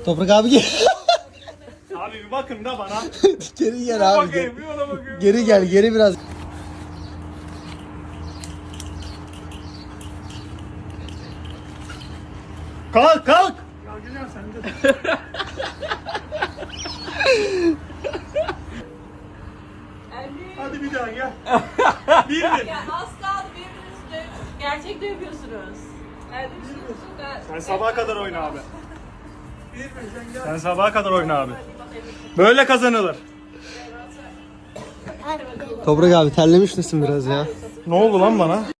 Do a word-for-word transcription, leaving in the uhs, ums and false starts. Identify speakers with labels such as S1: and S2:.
S1: Toprak abi gel.
S2: Abi bir bakın da bana.
S1: Geri gel abi.
S2: Bakayım, bir ona bakıyorum.
S1: Geri gel, geri biraz.
S2: Kalk kalk. Ya güzel sen de. Hadi bir daha gel. Bir bir.
S3: Ya az kaldı birbirinizi döv. Gerçek dövüyorsunuz. Hadi bir
S2: Sen sabaha kadar oyna abi. Sen sabaha kadar oyna abi. Böyle kazanılır.
S1: Toprak abi terlemiş misin biraz ya?
S2: Ne oldu lan bana?